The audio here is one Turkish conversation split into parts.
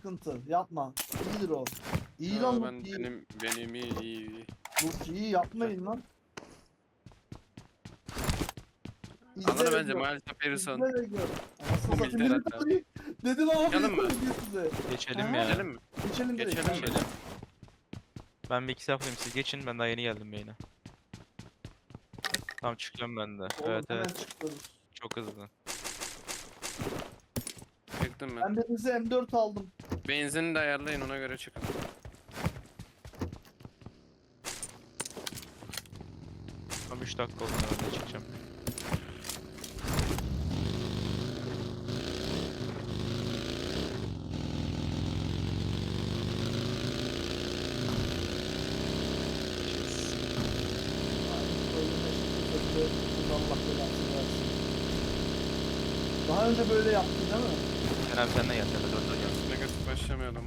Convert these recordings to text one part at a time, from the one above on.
sıkıntı. Yapma. İyidir o. İyi Aa, lan ben bu iyi. benim iyi. Bu iyi yapmayın lan. Alır İzle ve bence gör. maalesef Harrison. İzle ve gör. Anasını Bu satayım. militer Millet hatta. alayım. Dedin ama Çıkalım millet mı? alayım size. Geçelim Aha. ya. Geçelim mi? Geçelim direkt. Geçelim mi? Geçelim. Ben bir iki yapayım, siz geçin, ben daha yeni geldim beyine. Tamam, çıkıyorum ben de. Oğlum Evet hemen evet, çıkıyoruz. çok hızlı. Çıktım ben. Ben birinize M4 aldım. Benzini de ayarlayın, ona göre çıkın. Tam 3 dakika oldu, ben de çıkacağım. Allah belasını versin. Daha önce böyle yaptı değil mi? Sen abi sen de gel, sen de 4'e gel. Negatif başlamayalım.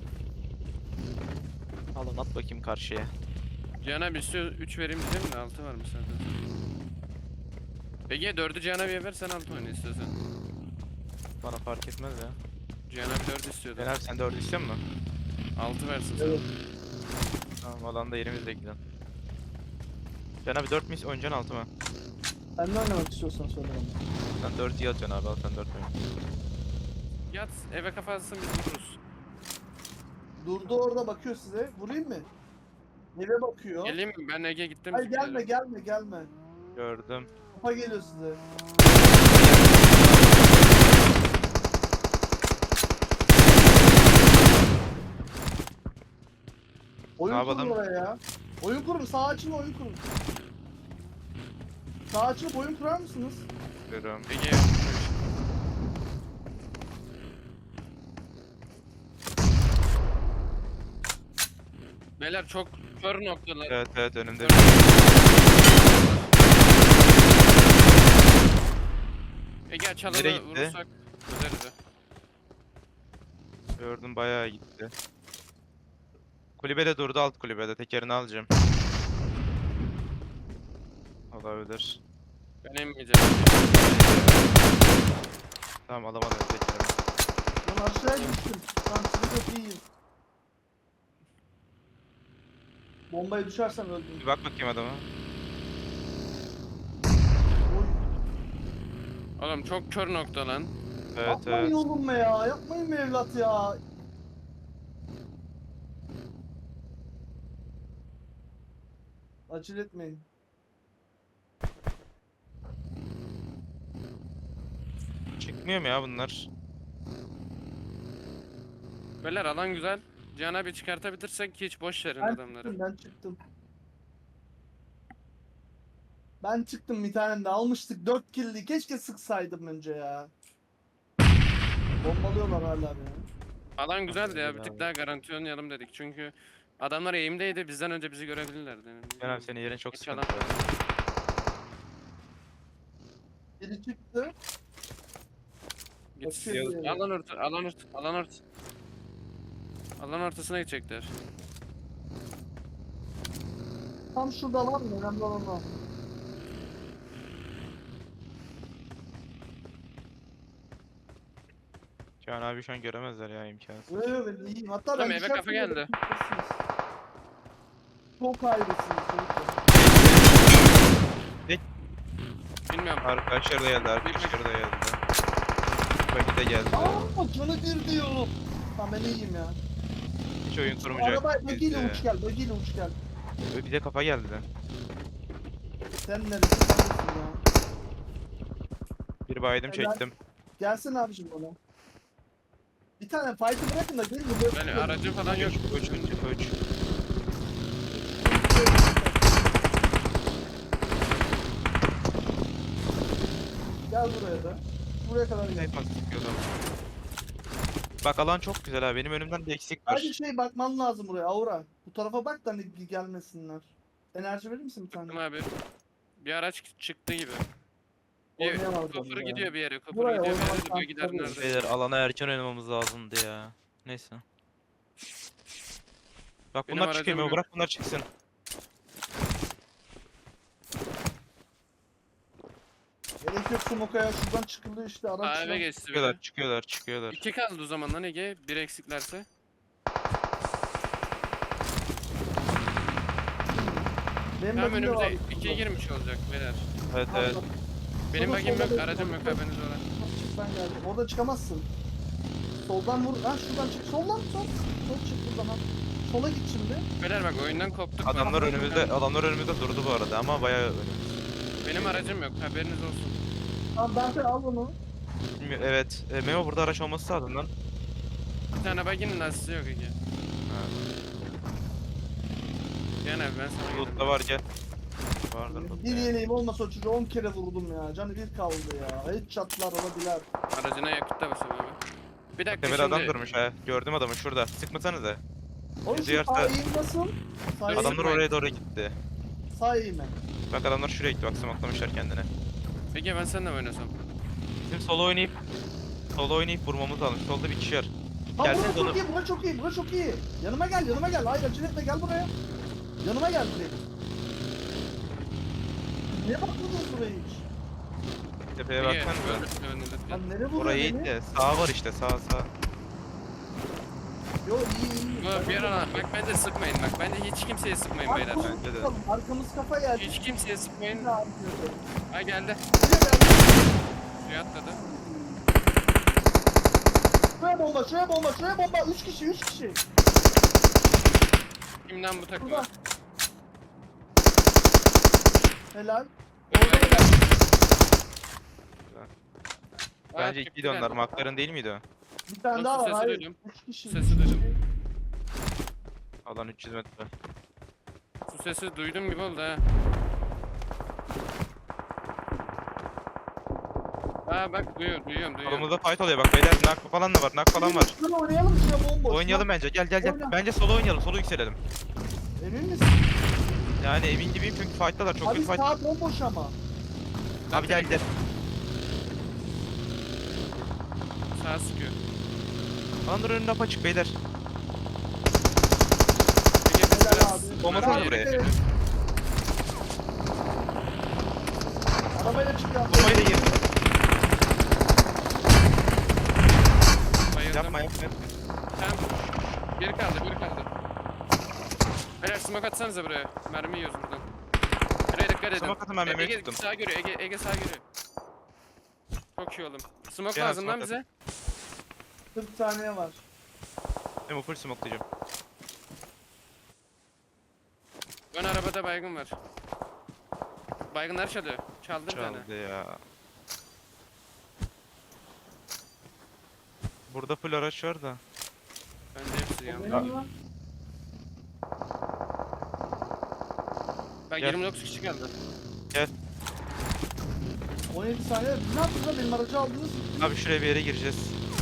Alın at bakayım karşıya. Cihan abi istiyor 3 vereyim diyeceğim de 6 var mı zaten? Peki 4'ü Cihan abiye ver, sen 6 oyna istiyorsan. Bana fark etmez ya. Cihan abi 4 istiyordu. Ben abi sen 4 istiyor musun? 6 versin sana. Evet. Tamam, alanda yerimizde gidelim. Can abi 4 mü oynayacaksın 6 mı? Sen ne oynamak istiyorsan söyle bana. Sen 4 iyi atacaksın abi, al sen 4 oyna. Yat eve kafa atsın, biz vururuz. Durdu orada bakıyor size. Vurayım mı? Eve bakıyor. Geleyim mi? Ben Ege gittim. Hayır gelme gelme gelme. Gördüm. Kafa geliyor size. Oyun Ne kurun yapalım? oraya ya. Oyun kurun. Sağ açın oyun kurun. Sağ açıp oyun kurar mısınız? Görüyorum. Ege. Beyler çok kör noktalar. Evet evet, önümde. Ege Nereye çalını gitti? vurursak üzerize. Gördüm, bayağı gitti. Kulübede durdu, alt kulübede, tekerini alacağım. Olabilir. Ben emmeyeceğim. Tamam, alamadım tekerini. Ben aşağıya düştüm. Tam sizi çok iyiyim. Bombaya düşersem öldüm. Bir bak bakayım adama. Oy. Oğlum çok kör nokta lan. Evet Yapmayın evet. oğlum be ya. Yapmayın be evlat ya. Acele etmeyin. Çıkmıyor mu ya bunlar? Beyler alan güzel. Cihan abi çıkartabilirsek hiç boş verin Ben adamları. çıktım, ben çıktım. Ben çıktım bir tane de almıştık 4 kill'li. Keşke sıksaydım önce ya. Bombalıyorlar hala beni. Alan güzeldi ya, bir Güzel tık abi. daha garanti oynayalım dedik. Çünkü adamlar eğimdeydi, bizden önce bizi görebilirlerdi. Yani Ben abi senin yerin çok Geç sıkıntı. alan. Biri çıktı. Git. Bakıyor. Alan ortasına gidecekler. Tam şurada var mı? Önemli olan o. Can abi şu an göremezler ya, imkansız. Evet ben iyiyim. Hatta Tamam, ben eve düşersem kafa geldi. böyle tutmuşsunuz. Çok ayrısınız çocuklar. Bilmiyorum. Arkadaşlar da geldi, arkadaşlar da geldi. Bagi de geldi. Aaa canı bir diyor. Tamam ben iyiyim ya. Hiç oyun kurmayacak. Araba bagiyle bizde. uç gel. Bagiyle uç gel. Bir de kafa geldi. Sen neredesin? Sen neredesin ya? Bir baydım Helal. çektim. Gelsene abicim bana. Bir tane fight'ı bırakın da gelin de böyle. Ben aracım falan yok. Koç. Gel buraya da. Buraya kadar gel. Hep sıkıyordum. Bak alan çok güzel ha. Benim önümden de eksik var. Sadece şey bakman lazım buraya Aura. Bu tarafa bak da hani gelmesinler. Enerji verir misin bir tane? Tamam abi. Bir araç çıktı gibi. Oynayamaz Köprü onu ya. gidiyor bir yere. Köprü Buraya gidiyor bir yere. oynamak Diyor gider tabii. nerede? Beyler, alana erken oynamamız lazımdı ya. Neyse. Bak Benim bunlar aracım çıkıyor mu? yok. Bırak bunlar çıksın. Gerek yok Smoka'ya. Şuradan çıkılıyor işte Aa, araçla. eve geçti Çıkıyorlar, biri. çıkıyorlar, çıkıyorlar. 2 kaldı o zaman lan Ege. Bir eksiklerse. Benim Tamam bagimde var. önümüze 2'ye girmiş olacak beyler. Evet evet. Benim Solda, bagim yok, solda, aracım solda. yok, haberiniz ola. Çıksan geldi. Orada çıkamazsın. Soldan vur. Ha şuradan çık. Soldan sol. Sol çık buradan. Ha. Sola git şimdi. Beyler bak oyundan koptuk. Adamlar bak. önümüzde durdu bu arada ama bayağı önümüzde. Benim aracım yok, haberiniz olsun. Tamam Dante al onu. Evet, Memo burada araç olması lazım lan. Bir tane baginin lastiği yok Ege. Ha, Gel abi ben sana Loot'ta gelirim. var gel. Vardır loot'ta Bir ya. yeleğim olmasa o çocuğu 10 kere vurdum ya. Canı bir kaldı ya. Hiç çatlar olabilir. Aracına yakıt da basın abi. Bir dakika Demir şimdi. adam durmuş ha. Gördüm adamı şurada. Sıkmasanıza. Oğlum şu Diğer sağ ta- eğim nasıl? Sağ eğim. Adam- Adamlar oraya doğru gitti. Sağ eğime. Bak adamlar şuraya gitti bak smoklamışlar kendine. Ege ben seninle mi oynasam? Bizim solo oynayıp vurmamız lazım. Solda bir kişi var. Ha Gelsene bura çok onu- iyi, bura çok iyi, bura çok iyi. Yanıma gel, yanıma gel. Hayır acele etme, gel buraya. Yanıma gel direkt. Niye bakmadınız buraya hiç? Tepeye Ege baksanıza. önünde. Lan nereye vuruyor Orayı beni? iyi de sağ var işte sağ. Yo iyi. Bu bir ara bak bence sıkmayın bak. Bence hiç kimseye sıkmayın beyler. Bence de. Arkamız kafa geldi. Hiç kimseye sıkmayın. Ne yapıyordu? Ha geldi. Şuraya gel. Suya atladı. Şuraya bomba, şuraya bomba, şuraya bomba. 3 kişi, 3 kişi. Kimden bu takım? Burada. Helal. Orada helal. Bence ikiydi onlar. Makların değil miydi o? Bir tane Nasıl daha var. sesi Hayır. duydum? 3 kişi. Sesi üç kişi. duydum. Alan 300 metre. Su sesi duydum gibi oldu ha. Ha bak duyuyorum. Solumuzda fight oluyor bak beyler. Nak falan da var. Nak falan var. Şuraya oynayalım şuraya bomboş. Oynayalım bence. Gel. Oyna. Bence solo oynayalım. Solo yükselelim. Emin misin? Yani emin gibiyim çünkü fight'talar. Çok Abi kötü fight. sağ bomboş ama. Abi gel. Sağ sıkıyor. Alanlar önünde apaçık beyler. Ege biz Helal biraz abi. Olmasın Arabaya buraya. gidelim. Arabayla çıkıyor. Bombayı da yiyeyim. Bayıldım. Yapma. Tamam. Geri kaldı. Beyler smoke atsanıza buraya. Mermi yiyoruz buradan. Buraya dikkat edin. Smoke atın, ben memeyi Ege tuttum. sağ görüyor. Ege sağ görüyor. Çok iyi oğlum. Smoke Gel, lazım lan smoke bize. 40 saniye var. Memo full smoke'layacağım. Ön arabada baygın var. Baygınlar çalıyor. Çaldı bir tane. Çaldı ya. Burada full araç var da. Bence hepsi O yandı. benim lan. Bak Gel. 29 kişi kaldı. 17 saniye. Ne yaptınız lan? Benim aracı aldınız. Abi şuraya bir yere gireceğiz.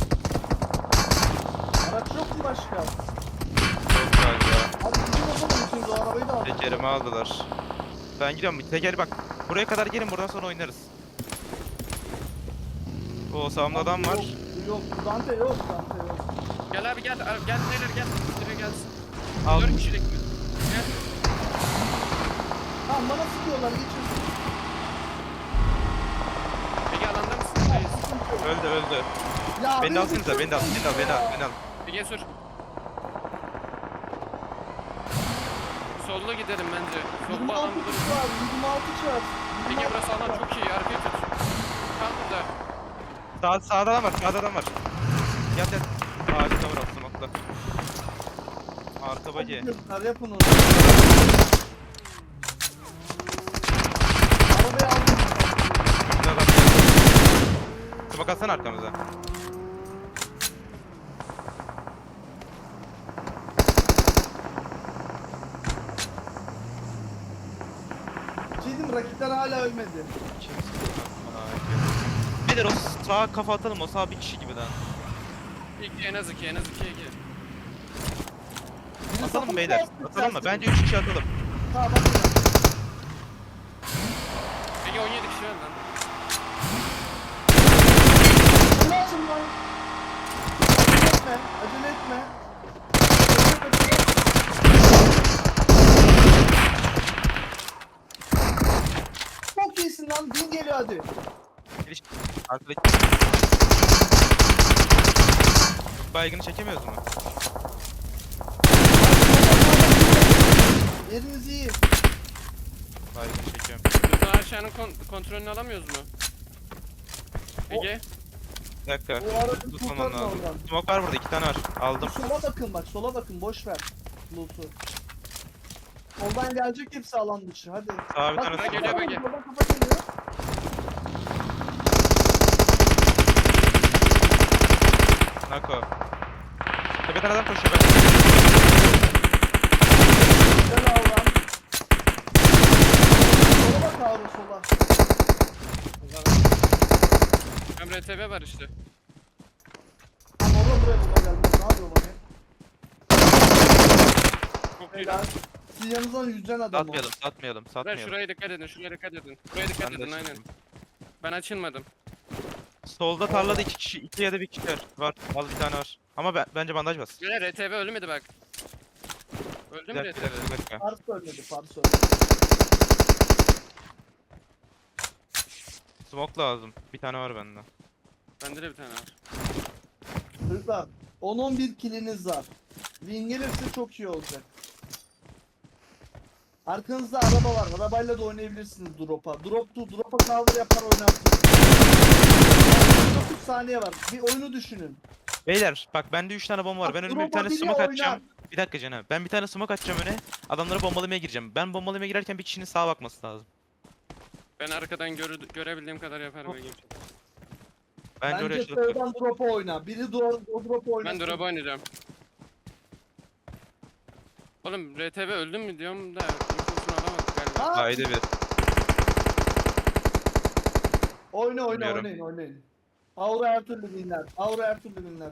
Araç yok mu başka? Yok galiba. Abi bizim yapalım ikimiz o arabayı da aldık. Tekerimi aldılar. Ben gidiyorum. Teker bak. Buraya kadar gelin buradan sonra oynarız. O sağımda adam var. Yok. Dante yok. Gel abi gel. Gel beyler gel. Biri gelsin. Al. 4 kişilik mi? Gel. Tamam bana sıkıyorlar. Geçin. Ege alanda mısın? Hayır. Öldü. Ya Beni de alsanıza. Beni de al. Ege sür. Solda gidelim bence. Solda 26 alan buluruz. kişi var. 26 kişi var. Ege burası alan çok iyi. Arkaya tut. Kal burada. Sağda adam var. Yat. Ağacı var smoke'la. Arka bacı. Yapın onu. Arabayı aldım. Önünde adam geldi. Smoke atsana arkamıza. Şey diyeyim mi? Rakipler hala ölmedi. Nedir o sağa kafa atalım o sağ bir kişi gibi lan. En az iki Ege. Biri Atalım sapık beyler. bastı, Atalım mı? ters Bence 3 kişi atalım. Tamam bak. Ege 17 kişi var lan. Ne yaptın lan? Acele etme. Çok iyisin lan. Bin geliyor hadi. baygını çekemiyoruz mu? Yeriniz iyi. Baygını çekiyorum. Lütfen aşağının kontrolünü alamıyoruz mu? Ege. Bir dakika. O aracı Tutmamam kurtarın lazım. oradan. Smoke var burada, 2 tane var. Aldım. Sola bakın bak, sola bakın, boş ver loot'u. Soldan gelecek hepsi alan dışı, hadi. Sağa bir Bak, tane bak, geliyor, bak, bak, geliyor. soldan kafa geliyor. Nako. Tepeden adam koşuyor ben. Güzel avran. Sola bak avru, sola. Hem RTV var işte. Lan orada buraya bomba gelmez, ne yapıyor bana? Çok iyi. Helal. Siz yanınızdan yüzden adam o. Satmayalım, satmayalım, Ben satmayalım. şuraya dikkat edin, şuraya dikkat edin. Buraya dikkat Ben de edin aynen. satayım. Ben açılmadım. Solda tarlada 2 kişi, 2 ya da 1 kişi var. Al bir tane var. Ama bence bandaj bas. Böyle RTV ölmedi bak. Öldü Bir mü dakika, RTV? bir dakika. Pars ölmedi, Pars ölmedi. Smoke lazım. Bir tane var bende. Bende de bir tane var. Çocuklar 10-11 kiliniz var. Win gelirse çok iyi olacak. Arkanızda araba var. Arabayla da oynayabilirsiniz drop'a. Drop'a cover yapar oynarsınız. 9 saniye var. Bir oyunu düşünün. Beyler bak bende 3 tane bomba var. Bak, Ben önüme bir tane drop'a bile smoke atacağım. oynar. Bir dakika Cenab. Ben bir tane smoke atacağım öne. Adamlara bombalamaya gireceğim. Ben bombalamaya girerken bir kişinin sağa bakması lazım. Ben arkadan görebildiğim kadar yaparım Ege'm. Bence oraya Bence açılıp dur. sağdan drop'a oyna. Biri o drop'a oynasın. Ben drop'a oynayacağım. Oğlum RTV öldün mü diyorum da infosunu alamadık galiba. Ha? Haydi bir. Bilmiyorum. Oynayın. Aura her türlü winler. Aura her türlü winler.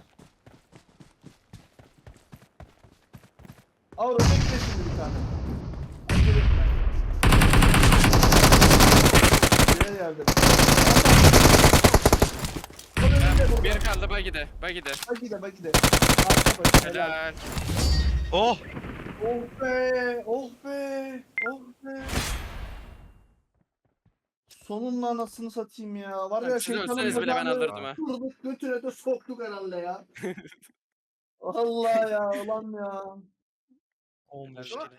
Aura bekle şimdi bir tane. Acele etme. Nereye geldi? Bir kaldı Bagi'de. Bagi'de. Bak gide. Arka başı. Helal. Helal. Oh! Oh be. Oh be. Oh be. Sonunda anasını satayım ya. Var ya Siz şeytanın ölseniz bile ben bacağını alırdım ha. Vurduk götüne de soktuk herhalde ya. Allah ya ulan ya. 15 Helal. kere.